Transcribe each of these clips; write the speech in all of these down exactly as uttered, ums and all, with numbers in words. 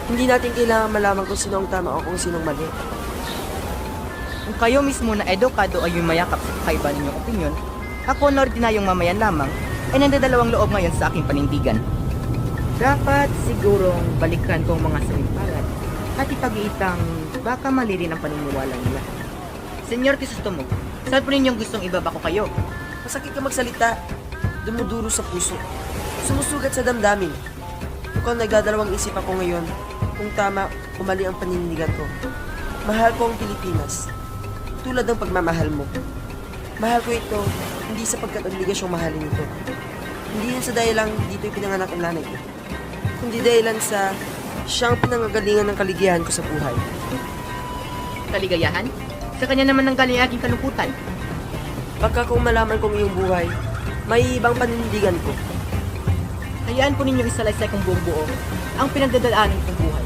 Hindi natin kailangan malaman kung sino ang tama o kung sinong mali. Kung kayo mismo na edukado ay yumayakap sa kakaiba ninyong opinyon, ako na ordinaryong mamayan lamang ay nandadalawang loob ngayon sa aking panindigan. Dapat sigurong balikan kong mga salimpalan at ipag-iitang baka mali rin ang paniniwala nila. Senyor Crisostomo, saan po ninyong gustong ibaba ko kayo? Masakit ka magsalita. Dumuduro sa puso. Sumusugat sa damdamin. Mukhang nagdadalawang isip ako ngayon kung tama o mali ang paninindigan ko. Mahal ko ang Pilipinas. Tulad ng pagmamahal mo. Mahal ko ito, hindi sapagkat obligasyong mahalin ito. Hindi yan sa dahilang dito pinanganak ang nanay ko. Kundi dahilan sa siyang pinangagalingan ng kaligayahan ko sa buhay. Kaligayahan? Sa kanya naman nanggaling aking kalungkutan. Pagka kung malaman kong iyong buhay, may ibang paninindigan ko. Hayaan po ninyong isalaysay kong buong buo ang pinagdadaanan kong buhay.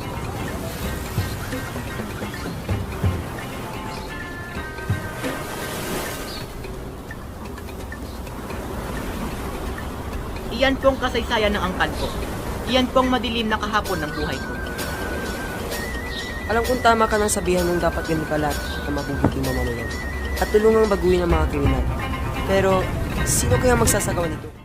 Iyan pong kasaysayan ng angkan ko. Iyan pong madilim na kahapon ng buhay ko. Alam kong tama ka ng sabihan ng dapat ganun kalat na mabubuting mamamayan at tulungang baguhin ang mga kriminal. Pero, sino kaya magsasagawa nito?